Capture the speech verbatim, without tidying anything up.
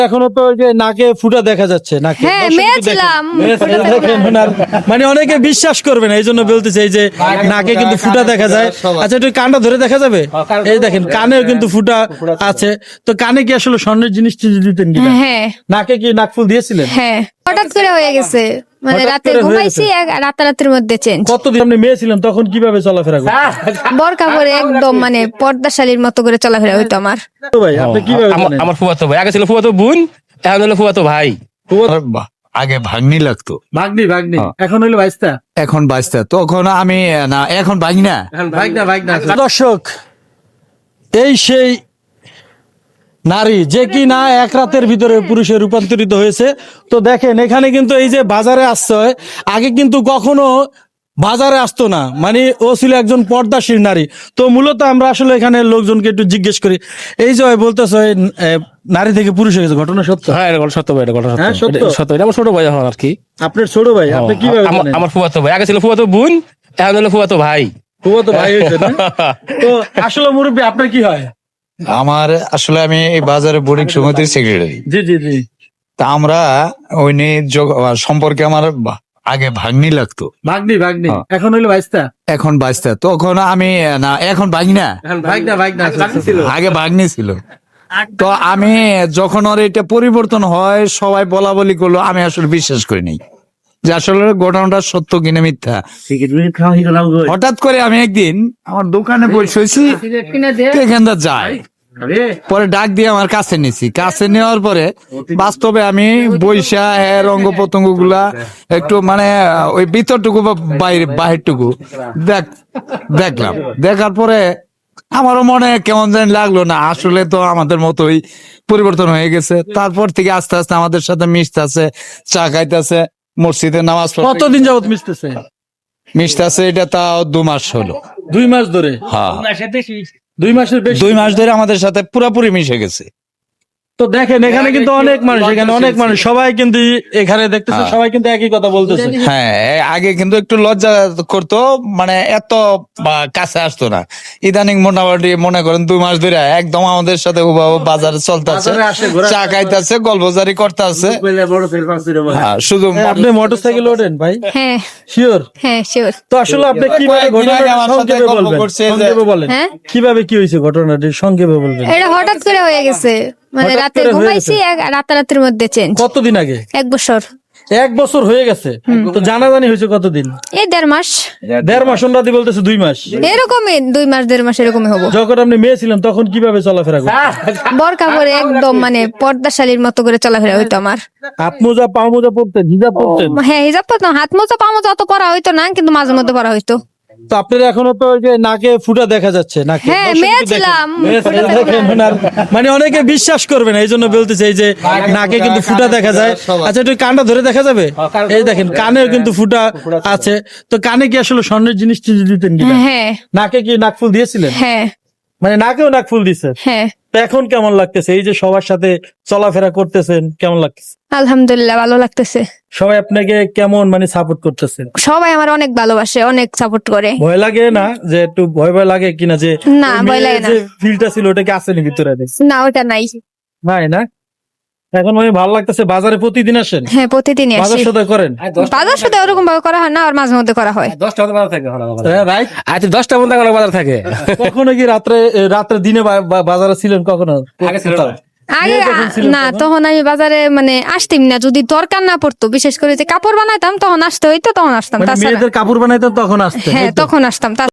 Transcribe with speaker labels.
Speaker 1: এখনো তো ওই যে নাকে ফুটা দেখা যাচ্ছে নাকে
Speaker 2: হ্যাঁ,
Speaker 1: দর্শক
Speaker 2: মেয়ে
Speaker 1: একটু দেখেন।
Speaker 2: ছিলাম।
Speaker 1: মেয়ে ছিলেন, দেখেন ওনার মানে অনেকে বিশ্বাস করবে না এই জন্য বলতেছে এই যে নাকে কিন্তু ফুটা দেখা যায়। আচ্ছা একটু কানটা ধরে দেখা যাবে, এই দেখেন কানেও কিন্তু ফুটা আছে। তো কানে কি আসলে স্বর্ণের জিনিস টিনিস দিতেন কিনা?
Speaker 2: হ্যাঁ
Speaker 1: নাকে কি নাকফুল দিয়েছিলেন?
Speaker 2: হ্যাঁ হঠাৎ করে হয়ে গেছে, মানে
Speaker 1: হঠাৎ
Speaker 2: রাতে
Speaker 1: করে হয়ে
Speaker 2: ঘুমাইছি এক রাতারাতির মধ্যে চেঞ্জ।
Speaker 1: কতদিন আপনি মেয়ে ছিলেন তখন কিভাবে চলাফেরা করতেন?
Speaker 2: বরকা পরে একদম মানে পর্দাশালীর মতো করে চলাফেরা হইতো আমার।
Speaker 1: তো ভাই আপনি কিভাবে
Speaker 3: আমার
Speaker 1: জানেন?
Speaker 3: আমার ফুফাতো ভাই, আগে ছিল ফুফাতো বোন, এখন হলো ফুফাতো ভাই।
Speaker 4: বাহ, আগে ভাগ্নি লাগতো,
Speaker 1: ভাগ্নি ভাগ্নি
Speaker 4: হ্যাঁ।
Speaker 1: এখন হইলো বাইস্তা।
Speaker 4: এখন বাইশটা, তখন আমি না, এখন ভাগ্না।
Speaker 1: ভাগনা ভাগনা দর্শক, এই সেই নারী যে কি না এক রাতের ভিতরে পুরুষে রূপান্তরিত হয়েছে। তো দেখেন এখানে কিন্তু এই যে বাজারে আসছে, আগে কিন্তু কখনো বাজারে আসতো না, মানে ও ছিল একজন পর্দাশীল নারী। তো মূলত আমরা আসলে এখানে লোকজনকে একটু জিজ্ঞেস করি, এই যে বলতেছে নারী থেকে পুরুষ হয়ে গেছে, ঘটনা সত্য?
Speaker 3: হ্যাঁ এটা গল্প সত্য ভাই, এটা গল্প সত্য।
Speaker 1: হ্যাঁ, সত্য?
Speaker 3: এটা সত্য, এটা আমার ছোট ভাই এখন আর কি।
Speaker 1: আপনার ছোট ভাই, আপনি কিভাবে
Speaker 3: আমার
Speaker 1: জানেন?
Speaker 3: আমার ফুফাতো ভাই, আগে ছিল ফুফাতো বোন, এখন হলো ফুফাতো ভাই।
Speaker 1: খুব তো ভাই হয়েছে না? তো আসলে মুরব্বী আপনার কি হয়?
Speaker 4: আমার আসলে আমি এই বাজারে বোর্ডিং সমিতির সেক্রেটারি।
Speaker 1: জি জি জি।
Speaker 4: তা আমরা ওই নিয়ে যোগ- সম্পর্কে আমার বা- আগে ভাগ্নি লাগতো,
Speaker 1: ভাগ্নি ভাগ্নি
Speaker 4: হ্যাঁ।
Speaker 1: এখন হইলো বাইস্তা।
Speaker 4: এখন বাইশটা, তখন আমি না, এখন ভাগ্না।
Speaker 1: ভাগনা ভাগনা
Speaker 4: আগে ভাগ্নি ছিল। তো আমি যখন ওর এটা পরিবর্তন হয় সবাই বলা বলি করলো, আমি আসলে বিশ্বাস করি নাই যে আসলে ঘটনাটা সত্য কিনা মিথ্যা। হঠাৎ করে আমি একদিন আমার দোকানে বসেছি, এখানটা যাই, পরে ডাক দিয়ে আমার কাছে নিছি, কাছে নেওয়ার পরে বাস্তবে আমি বৈশা এর অঙ্গ প্রত্যঙ্গ গুলা একটু মানে ওই ভিতরটুকু বা বাইরে বাহিরটুকু দেখ দেখলাম। দেখার পরে আমারও মনে কেমন জানি লাগলো, না আসলে তো আমাদের মতোই পরিবর্তন হয়ে গেছে। তারপর থেকে আস্তে আস্তে আমাদের সাথে মিশতেছে, চা খাইতেছে, মসজিদে নামাজ পড়তে
Speaker 1: কতদিন যাবত মিশতেছে?
Speaker 4: মিশতেছে, এটা তাও দু মাস হলো।
Speaker 1: দুই মাস ধরে?
Speaker 4: হ্যাঁ,
Speaker 1: দুই মাসের বেশি?
Speaker 4: দুই মাস ধরে আমাদের সাথে পুরাপুরি মিশে গেছে।
Speaker 1: তো দেখেন এখানে কিন্তু অনেক মানুষ, এখানে অনেক মানুষ, সবাই কিন্তু এখানে দেখতেছে,
Speaker 4: হ্যাঁ।
Speaker 1: সবাই কিন্তু একই কথা বলতেছে।
Speaker 4: হ্যাঁ, আগে কিন্তু একটু লজ্জা করতো, মানে এত বা কাছে আসতো না। ইদানিং মোটামুটি মনে করেন দুই মাস ধরে একদম আমাদের সাথে হুবহু বাজারে চলতেছে,
Speaker 1: বাজারে আসে, ঘোরা-
Speaker 4: চা খাইতেছে, গল্পজারি করতেছে। হ্যাঁ, শুধু
Speaker 1: হ্যাঁ, আপনি মোটরসাইকেল ওঠেন ভাই?
Speaker 2: হ্যাঁ
Speaker 1: শিওর?
Speaker 2: হ্যাঁ শিওর।
Speaker 1: তো আসলে আপনি কিভাবে
Speaker 4: কয়েকদিন আগে
Speaker 1: ঘটনাটা
Speaker 4: আমার সাথে
Speaker 1: সংক্ষেপে
Speaker 4: গল্প
Speaker 1: বলবেন,
Speaker 4: করছে যে-
Speaker 1: সংক্ষেপে বলেন।
Speaker 2: হ্যাঁ?
Speaker 1: কিভাবে কি হয়েছে ঘটনাটি সংক্ষেপে বলবেন?
Speaker 2: এটা হঠাৎ করে হয়ে গেছে, মানে
Speaker 1: হঠাৎ
Speaker 2: রাতে
Speaker 1: করে হয়ে
Speaker 2: ঘুমাইছি এক রাতারাতির মধ্যে চেঞ্জ।
Speaker 1: কতদিন আগে?
Speaker 2: এক বছর,
Speaker 1: এক বছর হয়ে গেছে। তো জানাজানি হয়েছে কতদিন?
Speaker 2: এই দেড় মাস
Speaker 1: দেড় মাস, ওনাদি বলতেছে দুই মাস।
Speaker 2: এরকমই, দুই মাস দেড় মাস এরকমই হবো।
Speaker 1: যখন আপনি মেয়ে ছিলেন তখন কিভাবে চলাফেরা করতেন?
Speaker 2: বরকা পরে একদম মানে পর্দাশালীর মতো করে চলাফেরা হইতো আমার।
Speaker 1: হাত মোজা পা মোজা পরতেন, হিজাব পরতেন?
Speaker 2: হ্যাঁ হিজাব পরতাম, হাত মোজা পা মোজা অত পরা হইতো না, কিন্তু মাঝে মধ্যে পরা হইতো।
Speaker 1: তো আপনার এখনো তো ওই যে নাকে ফুটা দেখা যাচ্ছে নাকে।
Speaker 2: হ্যাঁ,
Speaker 1: দর্শক
Speaker 2: মেয়ে
Speaker 1: একটু দেখেন।
Speaker 2: ছিলাম।
Speaker 1: মেয়ে ছিলেন, দেখেন ওনার মানে অনেকে বিশ্বাস করবে না এই জন্য বলতেছে এই যে নাকে কিন্তু ফুটা দেখা যায়। আচ্ছা একটু কানটা ধরে দেখা যাবে, এই দেখেন কানেও কিন্তু ফুটা আছে। তো কানে কি আসলে স্বর্ণের জিনিস টিনিস দিতেন কিনা?
Speaker 2: হ্যাঁ
Speaker 1: নাকে কি নাকফুল দিয়েছিলেন?
Speaker 2: হ্যাঁ
Speaker 1: মানে নাকেও নাকফুল দিছে।
Speaker 2: হ্যাঁ
Speaker 1: তো এখন কেমন লাগতেছে এই যে সবার সাথে চলাফেরা করতেছেন, কেমন লাগতেছে?
Speaker 2: আলহামদুলিল্লাহ ভালো লাগতেছে।
Speaker 1: সবাই আপনাকে কেমন মানে সাপোর্ট করতেছে?
Speaker 2: সবাই আমার অনেক ভালোবাসে, অনেক সাপোর্ট করে।
Speaker 1: ভয় লাগে না যে একটু ভয় ভয় লাগে কিনা যে
Speaker 2: না,
Speaker 1: ওই
Speaker 2: ভয় লাগে
Speaker 1: মেয়ের
Speaker 2: না।
Speaker 1: যে ফিলটা ছিল ওটা কি আসেনি ভিতরে?
Speaker 2: না ওটা নাই।
Speaker 1: নাই না? এখন মানে ভালো লাগতেছে। বাজারে প্রতিদিন আসেন?
Speaker 2: হ্যাঁ প্রতিদিনই
Speaker 1: বাজার
Speaker 2: আসি।
Speaker 1: সদাই করেন?
Speaker 2: বাজার সাথে ওরকম ভাবে করা হয় না, আর মাঝে মধ্যে করা হয়।
Speaker 3: দশটা মতো বাজার থাকে এখন আমার।
Speaker 1: হ্যাঁ, রাইট।
Speaker 3: আচ্ছা দশটা মতো এখন বাজার থাকে।
Speaker 1: কখনো কি রাত্রে এ, রাত্রে দিনে বা- বা- বাজারে ছিলেন কখনো?
Speaker 3: আগে ছিল না।
Speaker 2: আগে
Speaker 1: মেয়ে যখন ছিলেন
Speaker 2: না,
Speaker 1: তখন?
Speaker 2: তখন আমি বাজারে মানে আসতাম না, যদি দরকার না পড়তো, বিশেষ করে যে কাপড় বানাইতাম তখন আসতে হইতো, তখন আসতাম।
Speaker 1: মানে
Speaker 2: তাছাড়া
Speaker 1: মেয়েদের কাপড় বানাইতেন তখন আসতেন?
Speaker 2: হ্যাঁ
Speaker 1: এই তো?
Speaker 2: তখন আসতাম।